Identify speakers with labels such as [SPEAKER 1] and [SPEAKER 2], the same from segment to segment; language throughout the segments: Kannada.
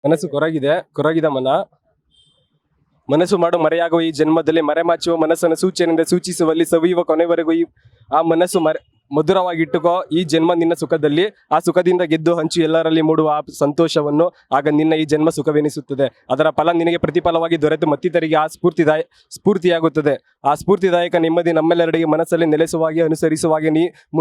[SPEAKER 1] ಮನಸ್ಸು ಕೊರಗಿದ ಮನಸ್ಸು ಮಾಡು ಮರೆಯಾಗುವ ಈ ಜನ್ಮದಲ್ಲಿ ಮರೆಮಾಚುವ ಮನಸ್ಸನ್ನು ಸೂಚನೆಯಿಂದ ಸೂಚಿಸುವಲ್ಲಿ ಸವಿಯುವ ಕೊನೆವರೆಗೂ ಆ ಮನಸ್ಸು ಮಧುರವಾಗಿಟ್ಟುಕೋ ಈ ಜನ್ಮ ನಿನ್ನ ಸುಖದಲ್ಲಿ, ಆ ಸುಖದಿಂದ ಗೆದ್ದು ಹಂಚು ಎಲ್ಲರಲ್ಲಿ ಮೂಡುವ ಆ ಸಂತೋಷವನ್ನು, ಆಗ ನಿನ್ನ ಈ ಜನ್ಮ ಸುಖವೆನಿಸುತ್ತದೆ. ಅದರ ಫಲ ನಿನಗೆ ಪ್ರತಿಫಲವಾಗಿ ದೊರೆತು ಮತ್ತಿತರಿಗೆ ಆ ಸ್ಫೂರ್ತಿಯಾಗುತ್ತದೆ. ಆ ಸ್ಫೂರ್ತಿದಾಯಕ ನೆಮ್ಮದಿ ನಮ್ಮೆಲ್ಲರಿಗೆ ಮನಸ್ಸಲ್ಲಿ ನೆಲೆಸುವಾಗೆ ಅನುಸರಿಸುವಾಗೆ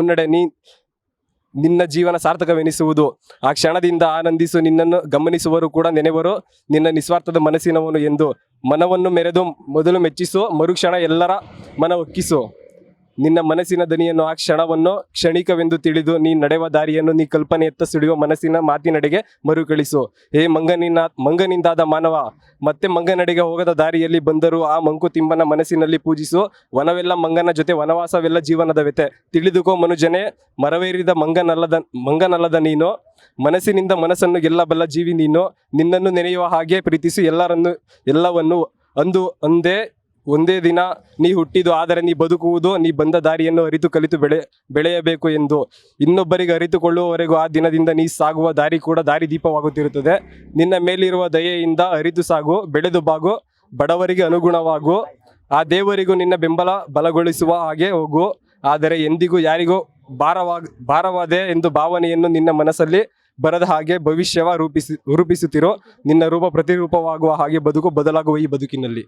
[SPEAKER 1] ನಿನ್ನ ಜೀವನ ಸಾರ್ಥಕವೆನಿಸುವುದು. ಆ ಕ್ಷಣದಿಂದ ಆನಂದಿಸು, ನಿನ್ನನ್ನು ಗಮನಿಸುವರು ಕೂಡ ನೆನೆವರು ನಿನ್ನ ನಿಸ್ವಾರ್ಥದ ಮನಸ್ಸಿನವನು ಎಂದು. ಮನವನ್ನು ಮೆರೆದು ಮೊದಲು ಮೆಚ್ಚಿಸು, ಮರುಕ್ಷಣ ಎಲ್ಲರ ಮನ ಒಕ್ಕಿಸು. ನಿನ್ನ ಮನಸ್ಸಿನ ದನಿಯನ್ನು ಆ ಕ್ಷಣವನ್ನು ಕ್ಷಣಿಕವೆಂದು ತಿಳಿದು ನೀ ನಡೆಯುವ ದಾರಿಯನ್ನು ನೀ ಕಲ್ಪನೆಯತ್ತ ಸಿಡಿಯುವ ಮನಸ್ಸಿನ ಮಾತಿನಡೆಗೆ ಮರುಕಳಿಸು. ಹೇ ಮಂಗನಿಂದಾದ ಮಾನವ, ಮತ್ತೆ ಮಂಗನಡೆಗೆ ಹೋಗದ ದಾರಿಯಲ್ಲಿ ಬಂದರೂ ಆ ಮಂಕುತಿಮ್ಮನ ಮನಸ್ಸಿನಲ್ಲಿ ಪೂಜಿಸು. ವನವೆಲ್ಲ ಮಂಗನ ಜೊತೆ, ವನವಾಸವೆಲ್ಲ ಜೀವನದ ವ್ಯತೆ. ತಿಳಿದುಕೋ ಮನುಜನೇ, ಮರವೇರಿದ ಮಂಗನಲ್ಲದ ನೀನು. ಮನಸ್ಸಿನಿಂದ ಮನಸ್ಸನ್ನು ಗೆಲ್ಲಬಲ್ಲ ಜೀವಿ ನೀನು. ನಿನ್ನನ್ನು ನೆನೆಯುವ ಹಾಗೆ ಪ್ರೀತಿಸು ಎಲ್ಲವನ್ನು. ಒಂದೇ ದಿನ ನೀ ಹುಟ್ಟಿದು, ಆದರೆ ನೀ ಬದುಕುವುದು ನೀ ಬಂದ ದಾರಿಯನ್ನು ಅರಿತು ಕಲಿತು ಬೆಳೆಯಬೇಕು ಎಂದು. ಇನ್ನೊಬ್ಬರಿಗೆ ಅರಿತುಕೊಳ್ಳುವವರೆಗೂ ಆ ದಿನದಿಂದ ನೀ ಸಾಗುವ ದಾರಿ ಕೂಡ ದಾರಿದೀಪವಾಗುತ್ತಿರುತ್ತದೆ. ನಿನ್ನ ಮೇಲಿರುವ ದಯೆಯಿಂದ ಅರಿತು ಸಾಗು, ಬೆಳೆದು ಬಾಗು, ಬಡವರಿಗೆ ಅನುಗುಣವಾಗು. ಆ ದೇವರಿಗೂ ನಿನ್ನ ಬೆಂಬಲ ಬಲಗೊಳಿಸುವ ಹಾಗೆ ಹೋಗು. ಆದರೆ ಎಂದಿಗೂ ಯಾರಿಗೂ ಭಾರವಾದೆ ಎಂದು ಭಾವನೆಯನ್ನು ನಿನ್ನ ಮನಸ್ಸಲ್ಲಿ ಬರದ ಹಾಗೆ ಭವಿಷ್ಯವ ರೂಪಿಸುತ್ತಿರೋ. ನಿನ್ನ ರೂಪ ಪ್ರತಿರೂಪವಾಗುವ ಹಾಗೆ ಬದುಕು ಬದಲಾಗುವ ಈ ಬದುಕಿನಲ್ಲಿ.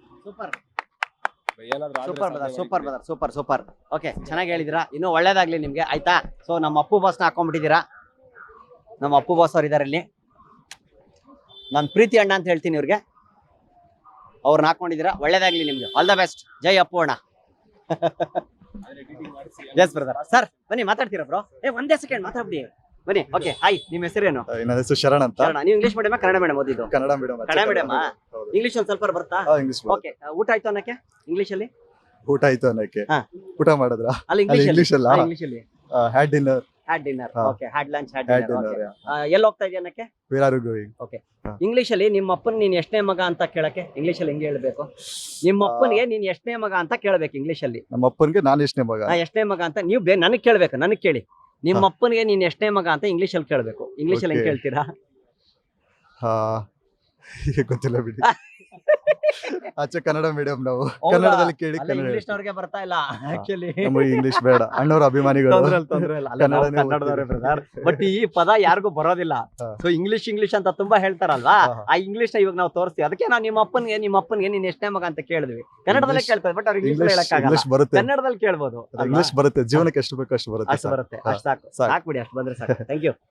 [SPEAKER 2] ಸೂಪರ್. ಓಕೆ, ಚೆನ್ನಾಗಿ ಹೇಳಿದಿರಾ. ಇನ್ನೂ ಒಳ್ಳೇದಾಗ್ಲಿ ನಿಮ್ಗೆ, ಆಯ್ತಾ? ಸೊ ನಮ್ಮ ಅಪ್ಪು ಬಾಸ್ನ ಹಾಕೊಂಡ್ಬಿಟ್ಟಿದ್ದೀರಾ. ನಮ್ಮ ಅಪ್ಪು ಬಾಸ್ ಅವ್ರು ಇದಾರೆ ಇಲ್ಲಿ. ನಾನು ಪ್ರೀತಿ ಅಣ್ಣ ಅಂತ ಹೇಳ್ತೀನಿ ಇವ್ರಿಗೆ. ಅವ್ರನ್ನ ಹಾಕೊಂಡಿದ್ದೀರಾ, ಒಳ್ಳೇದಾಗ್ಲಿ ನಿಮ್ಗೆ. All the best. ಜೈ ಅಪ್ಪು ಅಣ್ಣ. Yes brother. ಸರ್ ಬನ್ನಿ, ಮಾತಾಡ್ತೀರಾ ಬ್ರೋ? ಒಂದೇ ಸೆಕೆಂಡ್ ಮಾತಾಡ್ಬಿಡಿ, ಬನ್ನಿ. Okay, hi. ನಿಮ್ಮ ಹೆಸರೇನು?
[SPEAKER 3] ನನ್ನ ಹೆಸರು ಶರಣ್ ಅಂತ.
[SPEAKER 2] ನೀವು ಇಂಗ್ಲಿಷ್ ಮೀಡಿಯಂ ಕನ್ನಡ ಮೀಡಿಯಂ ಓದಿದ್ದು?
[SPEAKER 3] Kannada medium.
[SPEAKER 2] Kannada medium. English ಒಂದು ಸ್ವಲ್ಪ ಬರುತ್ತಾ?
[SPEAKER 3] ಇಂಗ್ಲಿಷ್.
[SPEAKER 2] ಓಕೆ, ಊಟ ಆಯ್ತು ಅನ್ನಕ್ಕೆ ಇಂಗ್ಲಿಷ್ ಅಲ್ಲಿ?
[SPEAKER 3] ಊಟ ಆಯ್ತು ಅನ್ನಕ್ಕೆ ಊಟ ಮಾಡಿದ್ರ?
[SPEAKER 2] ಅಲ್ಲಿ ಇಂಗ್ಲಿಷ್
[SPEAKER 3] ಅಲ್ಲ,
[SPEAKER 2] ಇಂಗ್ಲಿಷ್ ಅಲ್ಲಿ
[SPEAKER 3] had dinner.
[SPEAKER 2] Okay, had lunch, had dinner. ಎಲ್ಲಿ ಹೋಗ್ತಾ ಇದೆಯಾ ಅನ್ನಕ್ಕೆ?
[SPEAKER 3] Where are you going?
[SPEAKER 2] Okay, English ಅಲ್ಲಿ ನಿಮ್ಮ ಅಪ್ಪನ ನೀನ್ ಎಷ್ಟನೇ ಮಗ ಅಂತ ಕೇಳಕ್ಕೆ ಇಂಗ್ಲಿಷ್ ಅಲ್ಲಿ ಹೆಂಗೆ ಹೇಳ್ಬೇಕು? ನಿಮ್ಮ ಅಪ್ಪನಿಗೆ ನೀನ್ ಎಷ್ಟನೇ ಮಗ ಅಂತ ಕೇಳ್ಬೇಕು ಇಂಗ್ಲಿಷ್ ಅಲ್ಲಿ.
[SPEAKER 3] ನಮ್ಮ ಅಪ್ಪನಿಗೆ ನಾನು ಎಷ್ಟನೇ ಮಗ?
[SPEAKER 2] ಎಷ್ಟನೇ ಮಗ ಅಂತ ನೀವು ನನಗೆ ಕೇಳ್ಬೇಕು. ನನಗೆ ಕೇಳಿ, ನಿಮ್ಮ ಅಪ್ಪನಿಗೆ ನೀನ್ ಎಷ್ಟನೇ ಮಗ ಅಂತ ಇಂಗ್ಲಿಷ್ ಅಲ್ಲಿ ಕೇಳ್ಬೇಕು. ಇಂಗ್ಲಿಷ್ ಅಲ್ಲಿ ಹೆಂಗ್ ಕೇಳ್ತೀರಾ?
[SPEAKER 3] ಗೊತ್ತಿಲ್ಲ ಬಿಡಿ. ಆಚೆ ಕನ್ನಡ ಮೀಡಿಯಂ ನಾವು. ಕನ್ನಡದಲ್ಲಿ ಕೇಳಿ.
[SPEAKER 2] ಇಂಗ್ಲಿಷ್ ಅವ್ರಿಗೆ ಬರ್ತಾ ಇಲ್ಲ ಆಕ್ಚುಲಿ.
[SPEAKER 3] ನಮಗೆ ಇಂಗ್ಲಿಷ್ ಬೇಡ, ಅಣ್ಣವ್ರ ಅಭಿಮಾನಿಗಳು.
[SPEAKER 2] ಬಟ್ ಈ ಪದ ಯಾರಿಗೂ ಬರೋದಿಲ್ಲ. ಸೊ ಇಂಗ್ಲಿಷ್ ಅಂತ ತುಂಬಾ ಹೇಳ್ತಾರಲ್ವಾ, ಆ ಇಂಗ್ಲಿಷ್ ನ ಇವಾಗ ನಾವು ತೋರಿಸ್ತೀವಿ. ಅದಕ್ಕೆ ನಾವು ನಿಮ್ಮ ಅಪ್ಪನಿಗೆ ನೀನ್ ಎಷ್ಟನೇ ಮಗ ಅಂತ ಕೇಳಿದ್ವಿ. ಕನ್ನಡದಲ್ಲೇ ಕೇಳ್ತಾರೆ, ಬಟ್ ಅವ್ರಿಗೆ ಇಂಗ್ಲಿಷ್ ಹೇಳಕ್ಕಾಗಲ್ಲ. ಕನ್ನಡದಲ್ಲಿ ಕೇಳ್ಬೋದು.
[SPEAKER 3] ಇಂಗ್ಲಿಷ್ ಬರುತ್ತೆ, ಜೀವನಕ್ಕೆ ಎಷ್ಟು ಬೇಕು ಅಷ್ಟು ಬರುತ್ತೆ.
[SPEAKER 2] ಅಷ್ಟು ಸಾಕು. ಸಾಕು ಬಿಡಿ, ಅಷ್ಟು ಬಂದ್ರೆ ಸಾಕು. Thank you.